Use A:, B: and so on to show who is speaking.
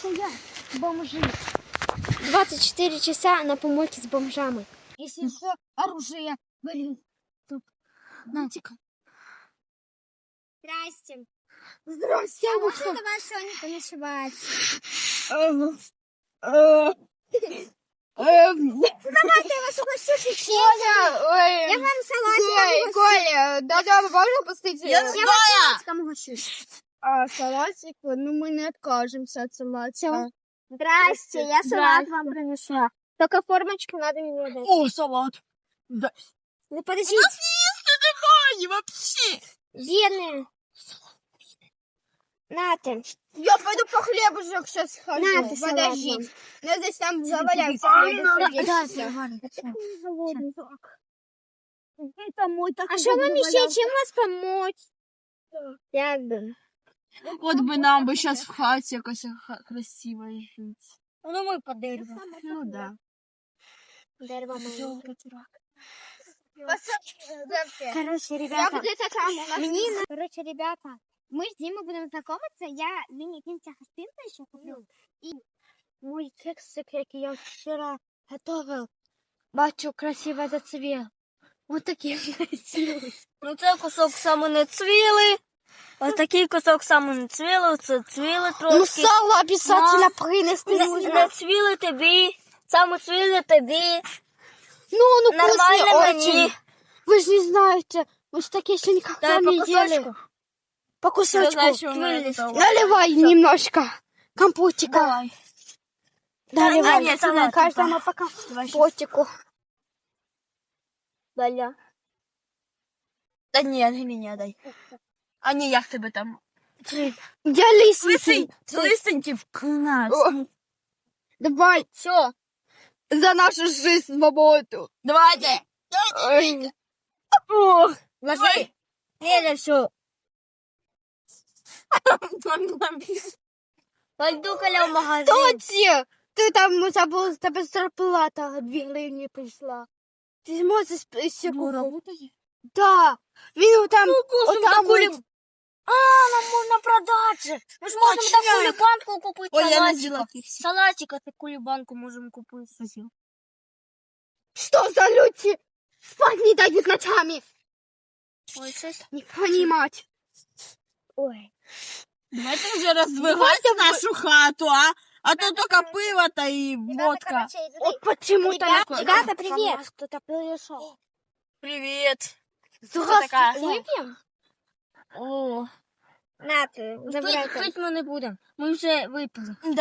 A: что я бомжи.
B: 24 часа на помойке с бомжами.
A: Если что, оружие. Блин. Натика.
B: Здрасте.
A: Здрасте,
B: А
A: вы
B: можно
A: что?
B: до вас сегодня поночевать? Давайте я вас угощу печеньем. Я вам салатиком угощу.
A: Коля, да, можно пустить?
B: Я вас салатиком угощу.
A: Салатик, ну мы не откажемся от салатика.
B: Здрасте, я салат вам принесла. Только формочку надо мне дать.
A: О, салат. Да.
B: Ну подождите.
A: Не вообще.
B: Бедные. Нате.
A: Я пойду по хлебушек сейчас схожу.
B: На, ты
A: Подожди.
B: салат
A: Я здесь там заваляется Это мой такой.
B: А что вам еще? Чем вас помочь? Я бы.
A: Вот бы нам бы сейчас в хате якось красиво жить.
B: Ну мы по дереву.
A: Ну да.
B: Дерево моё.
A: Короче,
B: Короче, ребята. Короче, ребята. Мы с Димой будем знакомиться. Я мини-кинча хостинка еще куплю. И мой кексик, який я вчера готовил, бачу, красиво зацвел. Вот такие получилось.
C: Ну це кусок саме не цвілий. Ось такий кусок саме не цвілий, це цвілий
B: Ну,
C: трошки.
B: сало обязательно принести
C: Не
B: нужно.
C: цвілий тобі, саме цвілий тобі.
B: Ну, он
C: Нормально
B: вкусный
C: мені.
B: очень. Вы же не знаете, мы же такие еще никогда
C: Дай по
B: не ели.
C: кусочку.
B: По
C: Я
B: кусочку.
C: знаю, що воно не готово.
B: Наливай немножко компотика.
C: Давай.
B: Наливай.
C: нет, салат,
B: Каждому по компотику.
C: Даля. Та ні, мені дай. А ні, як тебе там?
B: Я лисий.
C: Лисенький вклад.
B: Давай.
C: Все,
A: за нашу жизнь, свободу.
C: давайте.
A: Ой.
C: Ложи. Неля, все. Пойду Коля в магазин.
B: Тоді, ти там забув, з тебе зарплата 2 гривні прийшла. Ти можеш ще купити? Да. Він там, отам от.
C: А, нам можна продати. Ми ж можемо
A: Точно.
C: таку кулібанку купити.
A: Ой, я не
C: Салатика.
A: взяла кексик.
C: Салатика таку кулібанку можемо купити.
B: Что за люди? Спать не дают ночами.
C: Ой, щось.
B: Не понимать.
C: Ой.
A: Давайте вже роздвигати нашу хату, а? А то тільки пиво та і водка.
B: Вот почему-то
C: Ребята, привет.
B: Кто-то пришел.
A: Привіт.
C: така?
B: Выпьем?
C: О,
B: На, ты, забирай.
C: пить ми не будемо. Ми вже випили.